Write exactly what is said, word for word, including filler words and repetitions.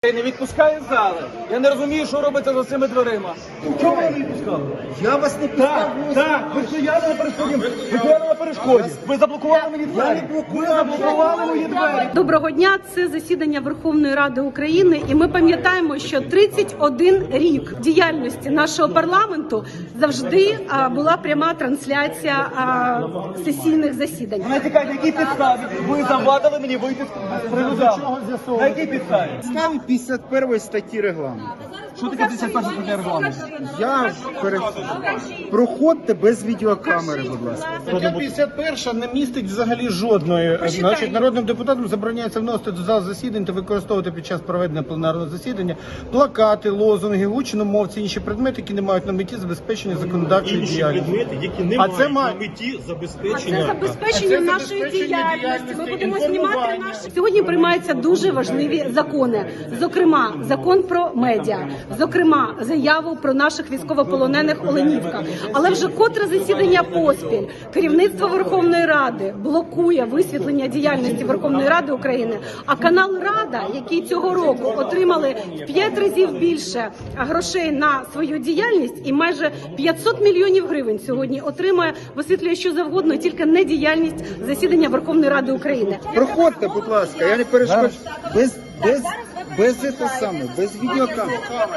Не відпускає з зали. Я не розумію, що робиться за цими дверима. Чому ви не відпускали? Я вас не пускав. Так, так, ви стояли на перешкоді. Ви стояли на перешкоді. Ви заблокували мені двері. Ви заблокували мої двері. Доброго дня. Це засідання Верховної Ради України, і ми пам'ятаємо, що тридцять один рік діяльності нашого парламенту завжди а, була пряма трансляція а, сесійних засідань. На якій якій підставі ви завадили мені вийти з приводу залу? На якій підставі? Ставі п'ятдесят першої статті регламенту. Що таке п'ятдесят перша стаття регламенту? Я перед... Проходьте без відеокамери, будь ласка. Стаття п'ятдесят перша не містить взагалі жодної. Значить, народним депутатам забороняється вносити до зал засідань та використовувати під час проведення пленарного засідання плакати, лозунги, гучномовці, інші предмети, які не мають на меті забезпечення законодавчої Інші діяльності. предмети, які не А мають це має- на меті А забезпечення. це забезпечення А це нашої забезпечення діяльності. Ми діяльності, будемо знімати інформування. наші сьогодні. Приймаються дуже важливі закони. Зокрема, закон про медіа, зокрема, заяву про наших військовополонених Оленівка. Але вже котре засідання поспіль керівництво Верховної Ради блокує висвітлення діяльності Верховної Ради України. А канал Рада, який цього року отримали в п'ять разів більше грошей на свою діяльність, і майже п'ятсот мільйонів гривень сьогодні отримує, висвітлює що завгодно, тільки не діяльність засідання Верховної Ради України. Проходьте, будь ласка, я не перешкоджу. Без, без, без, це саме, без відеокамери.